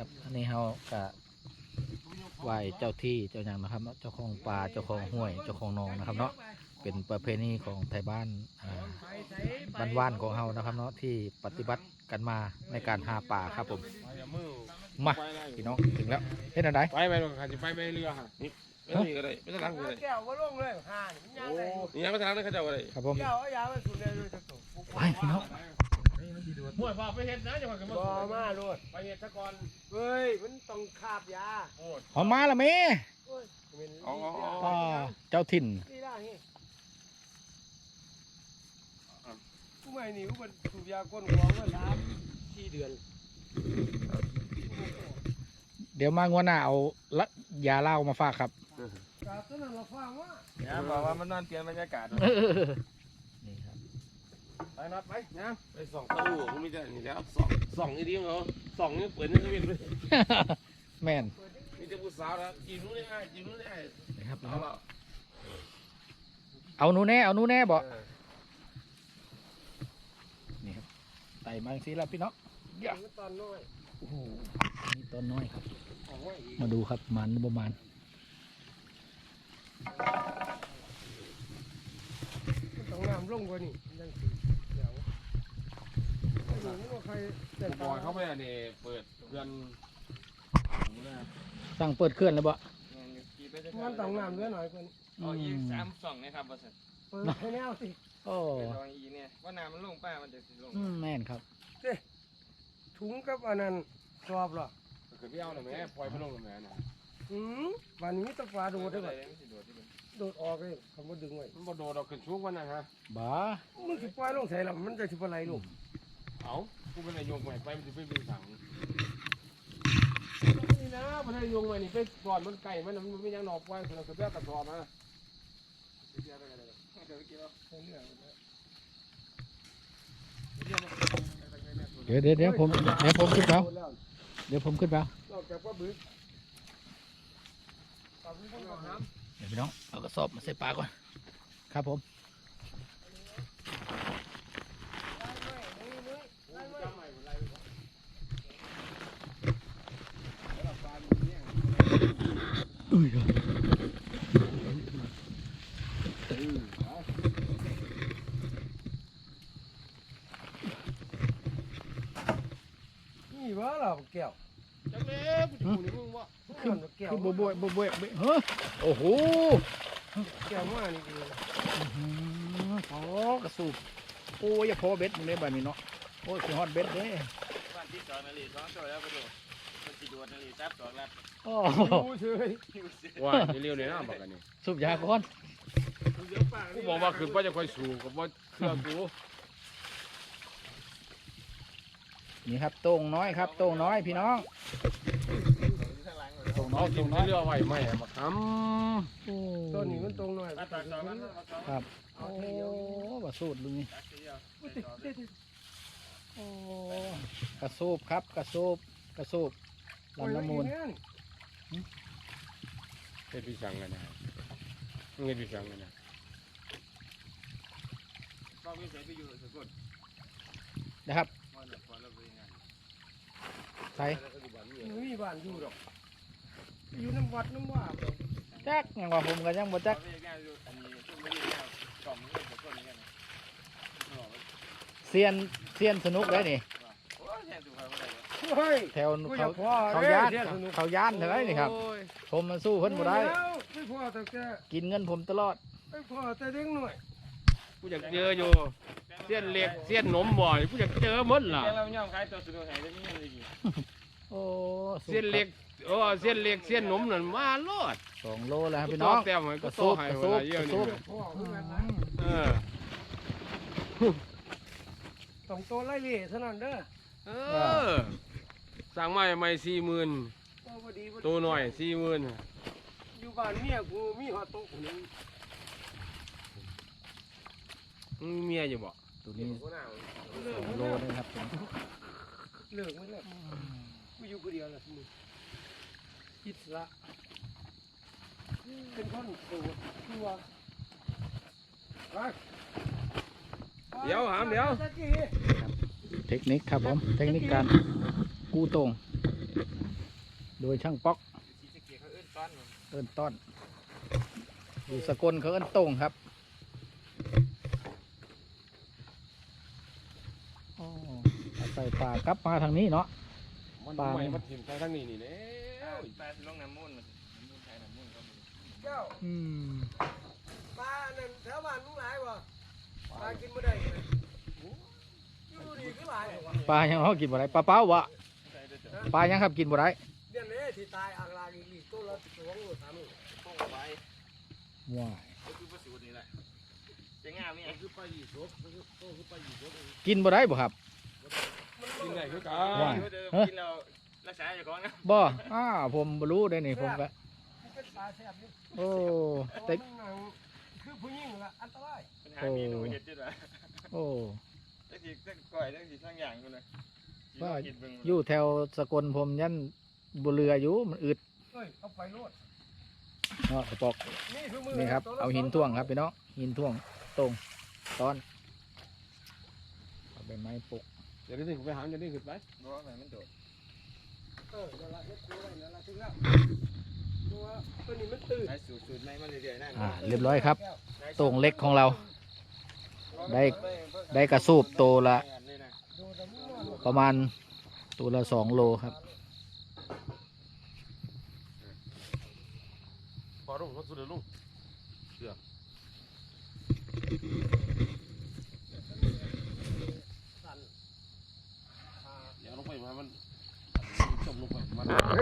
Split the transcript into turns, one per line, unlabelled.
ครับอันนี้เขากะไหว้เจ้าที่เจ้าอย่างนะครับเจ้าของป่าเจ้าของห้วยเจ้าของหนองนะครับเนาะเป็นประเพณีของไทยบ้านบ้านของเฮานะครับเนาะที่ปฏิบัติกันมาในการหาป่าครับผมมาพี่น้องถึงแล้วเฮ็ดอะไร
ไปไปลงค่ะจะไปเรือค่ะนี่นี่ก็ได้ไม่ต้องล้างก็ได้
แก้วก็ลงเลยห่านี่ยังไง
นี่ยังไม่ต้องล้างเลยเขาจะอะไร
ครับผม
แก้วเอายาไปสุดเลยจะตก
ไปพี่น้อง
มวยพาไปเห็ดนะจังหวะกัน
บ่มาโลด
ไปเห็ดซะก่อน
เฮ้ยมันต้องคาบยา
หอมมาละเม
โอ้ยเป็น
เจ้าถิ่น
นี่ได้เฮ้กูไม่หนีกูเป็นสูบยาก้นหัวมา3-4 เดือน
เดี๋ยวมางวดหน้าเอาละยาเหล้ามาฝากครับ
กาตอนนั้นเราฟังว่า
เนี่ยบอกว่ามันนอนเปลี่ยนบรรยากาศ
นี่ครับ
ไปนัดไปนะไปส่องตู้กูไม่ได้นี่แล้วส่องอีดีเหรอส่องนี่เปิดนี่ไม่เป็น
แม่น
มีแต่ผู้สาวนะจีบนู้นได้จีบนู้นได้
นะครับ
เอาละ
เอาหนูแน่เอาหนูแน่บอกนี่ครับไต่มาสิแล้วพี่น้อง
ตอนน้อย
โอ้โหนี่ต้นน้อยครับ
ของว่าอีก
มาดูครับมันประมาณ
มันต้องน้ำลงกว่านี่ยังสิเดี๋ยวไม่รู้ว่าใครแต่
บอยเข้าไปอันนี้เปิดเพื่อน
สั่งเปิดเคลื่อนแล้วบ่
มันต้องน้ำเยอะหน่อยกว่านี้
อ๋ออีก32นะครับบริษัท
เปิดให้แนวสิ
โอ้
เป็นรองอีเนี่ยว่าน้ำมันลงป้ามันจะสิลง
แม่นครับ
ถุงกับอันนั้นสอบหรอ
คือพี่เอาหน่อยแม่ปล่อยไปลงหน่อยแม่นะ
วันนี้ตะปลาโดดได้
เล
ป่ะ
ยมันสิโดดที่มัน
โดดออกเลยคำว่าดึงไว้
มันบ่โดดเราขึ้นชุกวันนะฮะ
บ้า
มึงสิปล่อยลงใส่ละมันจะสิบอะไรลูก
เอากูเป็นนายโยงใหม่ไปมันจะไปดึงถังนี่นะมันให้โยงใหม่นี่ไปก่อนมันไก่มันไม่ยังหนอกไว้เราจะแยกกระสอบนะ
เดี๋ยวผมขึ้นแล้วเดี๋ยวผมขึ้นแล้ว
นอกจากว่าบึก
เดี๋ยวพี่น้องเอากระสอบมาใส่ปลาก่อนครับผมอุ้ย
นี่วะเราแก้ว
จังเลยกูจะพูดนี่มึงว่า
ขึ้นแก้ว
คือบัวเฮ้ยโอ้โห
แก้วมานี่ดี
อ๋อกระสูบโอ้ยอย่าพอเบ็ดมึงเลยแบบนี้เนาะโอ้ยคือฮอตเบ็ดเด้
วันที่2นาฬิกา2ตัวแล้วไปดูมันสิโดดนาฬิกา2แล้ว
โอ้
ดูเฉย
ว่าเร็วๆเลยนะบอกกันนี่
สูบยาก่อน
กูบอกว่าขึ้นว่าจะค่อยสูงกับว่าเครื่องกู
นี่ครับโต่งน้อยครับโต่งน้อยพี่น้องโต่งน้อ
เอา
ย
กิ
โต่
น
งน้อย
เรือไว้ไม่มาท
โอ้
ต้นนี้มันตรงหน่อย
ตัด2มัน
ครับโอ้บะสูดลุงนี่โอ้กระสูบครับกระสูบลำน้ำมูล
ำเฮ็ดพี่สั่งกันนะเฮ็ดพี่สั่งกันนะ
บ่มีใส่ไปอยู่สกล
นะครับ
บ่น่ะพอแล้วไปงาน
ใส่
มีบ้านอยู่หรอกอยู่น้ำวัดน้ำว่า
จักยังว่าผมกันยังบ่จัก
ไปงานอยู่อันนี้ช่วงไม่ได้งานกล่อมนี่สกลนี่กัน
เซียนสนุกเลยนี่
โอ้ยแทนสุภาพบ่ได้
เฮ้ย
แถว
กูอ
เขา
ยากพ่อ
เขาย่านเขาย่านเท่าไรนี่ครับผมมันสู้เพิ่นบ่ได้
ไม่พ่อแต่แก
กินเงินผมตลอด
ไม่พ่อแต่เด็กหน่อย
กูอยากเจออยู่เส้นเล็กเส้นหนมบ่อยกูอยากเจอหมดล่ะ
แต่เราย่อมขายตัวสนุกให้ได้มีเงินดี
โอ้สู้
เส้นเล็กโอ้เส้นเล็กเส้นหนมนั่นมาโลด
2 โลแล้วครับ
กู
พี่
ต่
น้
อ
อง
แต้มให้
ก
กู
ระ
ต่
สู
อบ ให้
กระ
เว
สูบ
ลาเย
ก
อะ
ระ
นี่
สูบ
พ่อคือกันนะ
เออ
ต้องโตไล่เล่เท่านั้นเด้อ
เออสั่งไม้ไม่40,000
โตพอดี
ตัวหน่อย40,000
อยู่บ้านเมียกูมีหอโต๊ะคนนึง
มึงมีเมียอยู่บ่
ตัวนี้
เลิก
2 โลเลยครับผม
เลิกไม่เลิกกูอยู่คนเดียวแหละมึงอิสระเป็นคนโตตัวไป
เดี๋ยวหามเดี๋ยว
เทคนิคครับผมเทคนิคการกู้ตรงโดยช่างป๊อก
สีสะเกียเขาเอื้นต้อน
เอิ้นต้อนอยู่สกลเขาเอิ้นโต้งครับอ๋อเอาใส่ปลากลับมาทางนี้เนาะ
มัน
ปลา
ใหม่มันถิ่มไปทางนี้นี่แล้
ปลาสิลงน้ำมูลมันน้ำมูลไทยน้ำมูลเขา
เจ้า
อืม
ปลานั่นแถวบ้านมึงหลายบ่ปลากินบ่ได้เลยอยู่ดีคือหลายบ่วะ
ปลายังเขากินบ่ได้ปลาเป้าวะ
ใช่ด้วยจ้ะ
ปลายังครับกินบ่ได้
เดือนนี้ที่ตายอ่างลางอีกตัวละ2โล3โล
ป้องไว้
ว้าย
ก็คือประสูตรนี่แหละจะง่ายไหม
คือปลาหยีสบคือปลาหยีสบ
กินบ่ได้บ่ครับ
กินได้คือกั
ว่า
น
เดี๋ยวกินเรารักษาอยู่ก่อนนะ
บ่ผมบ่รู้ได้นี่ผมก็
มันเป็นปลาแซ่บนี่
โอ้
แต่
แต่
คือผู้หญิงละอันตราย
ปัญหาเมนูเห็ดจุดละ
โอ้
ตั้งทีตั้งก่อยตั้งทีทั้งอย่างกันเลย
อยู่แถวสกลผมยันบ่เรืออยู่มันอึด
เอ้ยเอาไปโลด
เนาะกระปอก
นี่คือมือ
นี่ครับเอาหินท่วงครับพี่น้องหินท่วงตรงตอนเอาใบไม้ปลูก
เดี๋ยวนี้ผมไปหาเดี๋ยวนี้ขึ้นไป
เพราะว่ามันโดด
เดี๋ยวละเฮ็ดตัวไว้เดี๋ยวละถึงแล้วตัวตัวนี้มันตื่น
ใช้สูตรไม่มาเรื่อยๆนั่น
เรียบร้อยครับตรงเล็กของเรา ได้กระสูบตัวละ
ดูแต่มึงนอน
ประมาณตัวละ2 โลครับ
พอรุ่งเขาสุดเลยลุงเสือเดี๋ยวลงไปมันจมลงไปมัน